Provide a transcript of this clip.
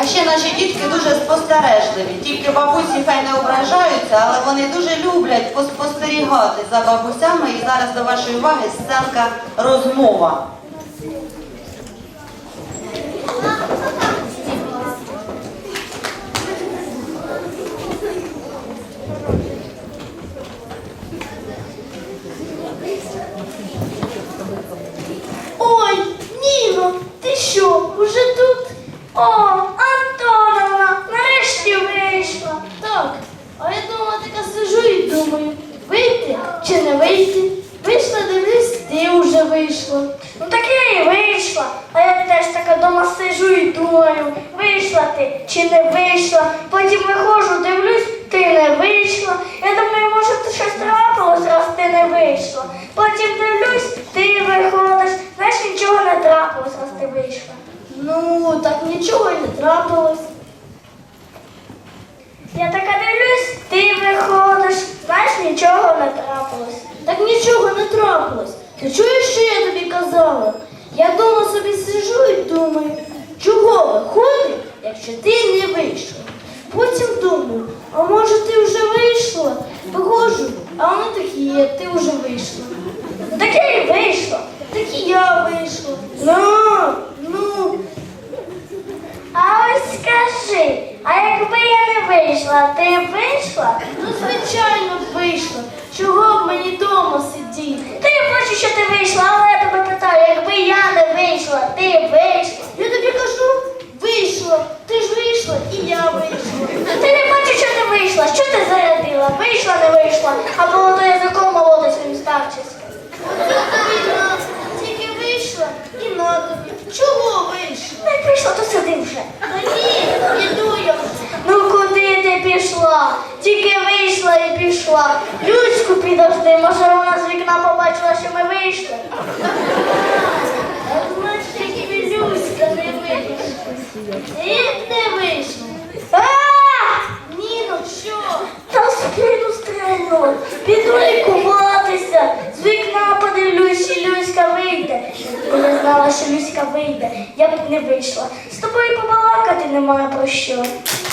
А ще наші дітки дуже спостережливі. Тільки бабусі хай не ображаються, але вони дуже люблять поспостерігати за бабусями. І зараз до вашої уваги сценка розмова. Ой, Ніно, ти що, уже тут? О, Антоновна, нарешті вийшла. Так, а я думала, така сижу і думаю, вийти чи не вийти? Вийшла, дивлюсь, ти вже вийшла. Ну так я і вийшла, а я теж така дома сижу і думаю, вийшла ти чи не вийшла. Потім виходжу, дивлюсь, ти не вийшла. Я думаю, може ти щось трапилось, раз ти не вийшла. Потім дивлюсь, ти виходиш, знаєш, нічого не трапилось, раз ти вийшла. Ну, так нічого і не трапилось. Я така дивлюсь, ти виходиш, знаєш, нічого не трапилось. Так нічого не трапилось. Ти чуєш, що я тобі казала? Я дома собі сижу і думаю, чого виходить, якщо ти не вийшла. Потім думаю, а може ти вже вийшла? Виходжу, а воно так і є, ти вже вийшла. Так я і вийшла, так і я вийшла. Ну. А ось скажи, а якби я не вийшла, ти б вийшла? Ну, звичайно, б вийшла. Чого б мені вдома сидіти? Та я бачу, що ти вийшла, але я тебе питаю, якби я не вийшла, ти б вийшла? Я тобі кажу, вийшла. Ти ж вийшла і я вийшла. Ти не бачиш, що ти вийшла. Що ти зарядила? Вийшла, не вийшла, а було то язиком молоти своїм старчись. Тільки вийшла і на тобі. Чого вийшла? Не вийшла, то сиди вже. Та ні, іду я вже. Ну куди ти пішла? Тільки вийшла і пішла. Люську підожди, може вона з вікна побачила, що ми вийшли. Значить, тільки Люська не вийшла. І не вийшла. Ніно, що? Та спину стрельнула. Піду лікуватися. З вікна подивлюсь, і Люська вийде. Бо я знала, що Люська вийде. Я б не вийшла. З тобою побалакати немає про що.